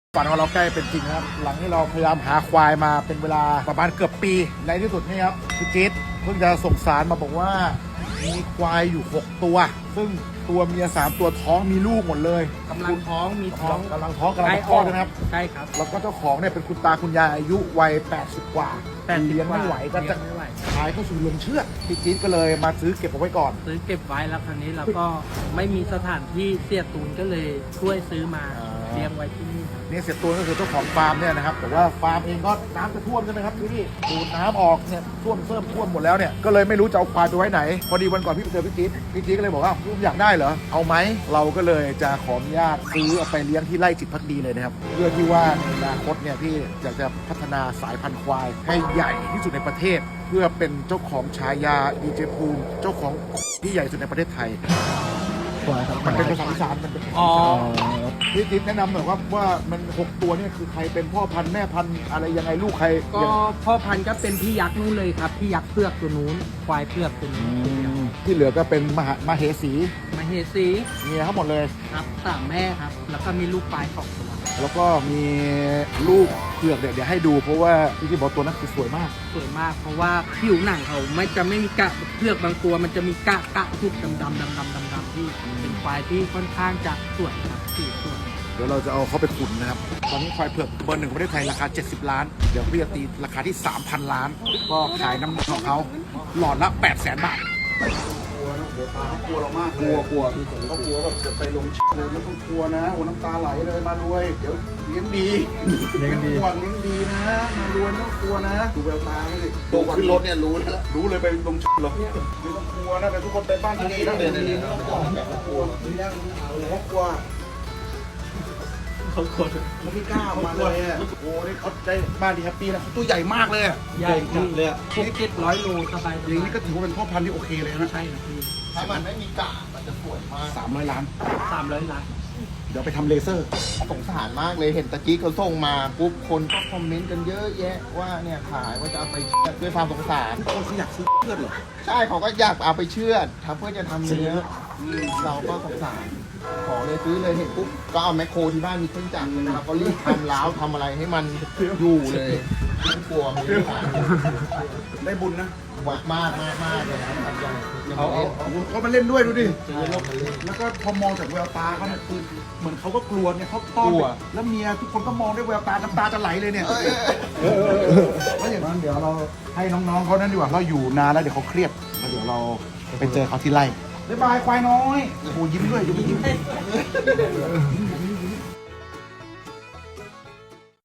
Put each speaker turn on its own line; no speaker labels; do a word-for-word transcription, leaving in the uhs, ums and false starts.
ฝันของเราใกล้เป็นจริงครับหลังที่เราพยายามหาควายมาเป็นเวลาประมาณเกือบปีในที่สุดนี่ครับพี่จิ๊ดเพิ่งจะส่งสารมาบอกว่ามีควายอยู่หกตัวซึ่งตัวเมียสามตัวท้องมีลูกหมดเลย
กำลังท้องมีท้อง
กำลังท้องกำลังจะคลอดนะครับ
ใช่ครับ
แล้วก็เจ้าของเนี่ยเป็นคุณตาคุณยายอายุวัยแปดสิบกว่าเลี้ยงไม่ไหวก็จะ
เลี้ยงไม่ไหว
ขายเข้าสู่ลงเชือดพี่จิ๊ดก็เลยมาซื้อเก็บเอาไว้ก่อน
ซื้อเก็บไว้แล้วคราวนี้เราก็ไม่มีสถานที่เสียตูนก็เลยช่วยซื้อมา
อ่า
เลี้ยงไว้ที่นี่ครับ
เนี่ยเสียตัวก็คือเจ้าของฟาร์มเนี่ยนะครับแต่ว่าฟาร์มเองก็น้ำจะท่วมใช่ไหมครับที่นี่ดูดน้ำออกเนี่ยท่วมเพิ่มท่วมหมดแล้วเนี่ยก็เลยไม่รู้จะเอาควายไปไว้ไหนพอดีวันก่อนพี่ไปเจอพี่จี๊ดพี่จี๊ดก็เลยบอกว่าลุงอยากได้เหรอเอาไหมเราก็เลยจะขออนุญาตซื้อเอาไปเลี้ยงที่ไร่จิตพักดีเลยนะครับเพื่อที่ว่าในอนาคตเนี่ยพี่อยากจะพัฒนาสายพันธุ์ควายให้ใหญ่ที่สุดในประเทศ เพื่อเป็นเจ้าของฉายาดีเจภูมิเจ้าของที่ใหญ่สุดในประเทศไทยมันเป็นภาษาอีสานมันเป็นภาษา
อ๋อ
อีสานพี่จิ๊บแนะนำหน่อยว่าว่ามันหกตัวเนี่ยคือใครเป็นพ่อพันธุ์แม่พันธุ์อะไรยังไงลูกใคร
ก็พ่อพันธุ์ก็เป็นพี่ยักษ์นู้นเลยครับพี่ยักษ์เพือกตัวนู้นควายเพือกตัวนู้น
ที่เหลือก็เป็นมหามาเหสี
มาเฮซี
เมียทั้งหมดเลย
ครับสามแม่ครับ แล้วก็มีลูกปลายสองตัว
แล้วก็มีลูกเผือกเดี๋ยวเดี๋ยวให้ดูเพราะว่าพี่จิ๊บบอกตัวนั้นคือสวยมาก
สวยมากเพราะว่าผิวหนังเขาไม่จะไม่มีกะเพือกบางตัวมันจะมีกะกะจุดดำดำดำดำดำดำที่เป็นควายที่ค่อนข้างจะสวยครับสีสวย
เดี๋ยวเราจะเอาเขาไปขุนนะครับ ตอนนี้ควายเผือกเบอร์หนึ่งของประเทศไทยราคา เจ็ดสิบ ล้าน เดี๋ยวพี่จะตีราคาที่ สามพัน ล้าน ก็ขายน้ำหนักของเขาหลอดละ แปดแสน บาท กลัวนะหัวตาเขากลัวเรามากกลัวกลัวเขากลัวแบบจะไปลงเลยไม่ต้องกลัวนะโอ้น้ำตาไหลเลยมารวย เดี๋ยวเลี้ยงดีเลี้ยงดีเลี้ยงดีนะมารวยไม่ต้องกลัวนะดูแววตาไม่ดิโตขึ้นรถเนี่ยรู้แล้วรู้เลยไปลงเหรอไม่ต้องกลัวนะแต่ทุกคนไปบ้านดีๆนะเดี๋ยวๆๆไม่ต้องกลัวไม่ต้องกลัวเขากลัวเขากลัวเขาไม่กล้ามาเลยอ่ะโอ้นี่เขาได้บ้านดีแฮปปี้นะเขาตัวใหญ่มากเลยอ่ะ
ใหญ่ที่เลยหกเจ็ดร้อยโลสบาย
อย่างนี้ก็ถือว่าเป็นพ่อพันธุ์ที่โอเคเลยนะ
ใช่ครับพี่
ถ้ามันไม่มีกะมันจะสวยมาก
สามร้อยล้าน
สามร้อยล้าน
เดี๋ยวไปทำเลเซอร์
สงสารมากเลยเห็นตะกี้เขาส่งมาปุ๊บคนก็คอมเมนต์กันเยอะแยะว่าเนี่ยขายว่าจะเอาไปเชือดด้วยความสงสาร
คนเขาอยากซื้อเพื่อนเหรอ
ใช่เขาก็อยากเอาไปเชือดทำเพื่อจะทำเนื้ออืมเราก็สงสารขอเลยซื้อเลยเห็นปุ๊บก็เอาแมคโครที่บ้านมีเครื่องจักรเลยนะครับก็รีบทำล้าวทำอะไรให้มันอยู่เลยไม่กลัวไม่กลัว
ได้บุญนะ
มากมากมากมากเลยนะครับยังยัง
เอา
ไม่
เอา
เล่น
เอาเขามาเล่นด้วยดูดิ
ซื้อแล้วมาเล่น
แล้วก็พอมองจากแววตาเขาเนี่ยคือเหมือนเขาก็กลัวเนี่ยเขาต้อน
กลัว
แล้วเมียทุกคนก็มองด้วยแววตาน้ำตาจะไหลเลยเนี่ยแล้วอย่างนั้นเดี๋ยวเราให้น้องๆเขานั่นดีกว่าเราอยู่นานแล้วเดี๋ยวเขาเครียดแล้วเดี๋ยวเราไปเจอเขาที่ไร่บ๊ายบายควายน้อยโอ้โหยิ้มด้วยยิ้มยิ้ม